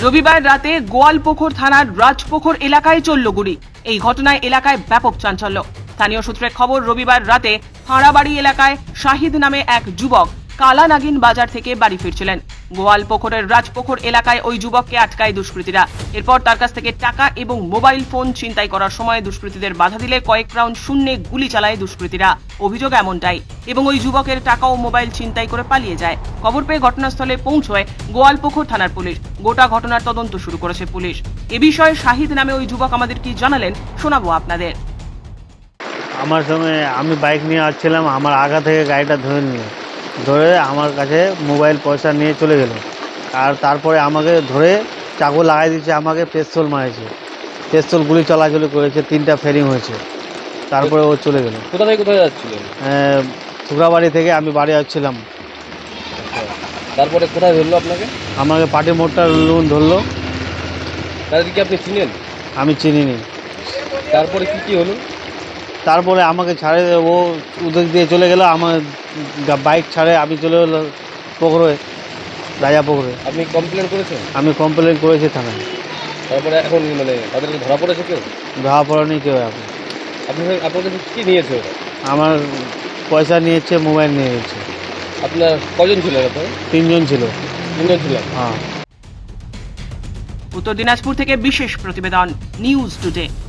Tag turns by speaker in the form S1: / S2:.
S1: রবিবার রাতে গোয়ালপুকুর থানার রাজপুকুর এলাকায় চলল গুলি। এই ঘটনায় এলাকায় ব্যাপক চাঞ্চল্য। স্থানীয় সূত্রে খবর, রবিবার রাতে ফাঁড়াবাড়ি এলাকায় শাহিদ নামে এক যুবক কালানাগিন বাজার থেকে বাড়ি ফিরছিলেন। গোয়ালপুকুরের রাজপুকুর এলাকায় ওই যুবককে আটকায় দুষ্কৃতীরা। এরপর তার কাছ থেকে টাকা এবং মোবাইল ফোন ছিনতাই করার সময় দুষ্কৃতীদের বাধা দিলে কয়েক রাউন্ড শূন্যে গুলি চালায় দুষ্কৃতীরা। অভিযোগ এমনটাই, এবং ওই যুবকের টাকা ও মোবাইল ছিনতাই করে পালিয়ে যায়। খবর পেয়ে ঘটনাস্থলে পৌঁছয় গোয়ালপুকুর থানার পুলিশ। গোটা ঘটনার তদন্ত শুরু করেছে পুলিশ। এ বিষয়ে শাহিদ নামে ওই যুবক আমাদের কি জানালেন শোনাবো আপনাদের।
S2: আমার সঙ্গে আমি বাইক নিয়ে আসছিলাম, আমার আগা থেকে গাড়িটা ধরে আমার কাছে মোবাইল পয়সা নিয়ে চলে গেল। আর তারপরে আমাকে ধরে চাকু লাগাই দিয়েছে, আমাকে পেস্তল মারেছে, পেস্তল গুলি চলাচলি করেছে, 3টা ফেরিং হয়েছে। তারপরে ও চলে গেল।
S3: কোথা থেকে কোথায় যাচ্ছিলেন?
S2: শুক্রাবাড়ি থেকে আমি বাড়ি আসছিলাম।
S3: তারপরে কোথায় ধরলো আপনাকে?
S2: আমাকে পাটি মোড়টা ধরলো।
S3: তাদেরকে আপনি চিনেন?
S2: আমি চিনিনি।
S3: তারপরে কি হলো?
S2: তারপরে আমাকে ছাড়ে, ও ওদের দিয়ে চলে গেল, আমার বাইক ছাড়ে আমি চলে গেলো পুকুরে, রাজা পুকুরে।
S3: আপনি কমপ্লেন করেছেন?
S2: আমি কমপ্লেন করেছি থানায়।
S3: তারপরে এখন তাদেরকে ধরা পড়েছে কেউ?
S2: ধরা পড়েনি কেউ এখন।
S3: আপনার কাছে কী নিয়েছে ওরা?
S2: আমার পয়সা নিয়েছে, মোবাইল নিয়ে গেছে।
S3: আপনার কজন ছিলেন আপনার?
S2: 3 জন ছিল।
S3: 3 জন ছিলেন?
S2: হ্যাঁ।
S1: উত্তর দিনাজপুর থেকে বিশেষ প্রতিবেদন, নিউজ টুডে।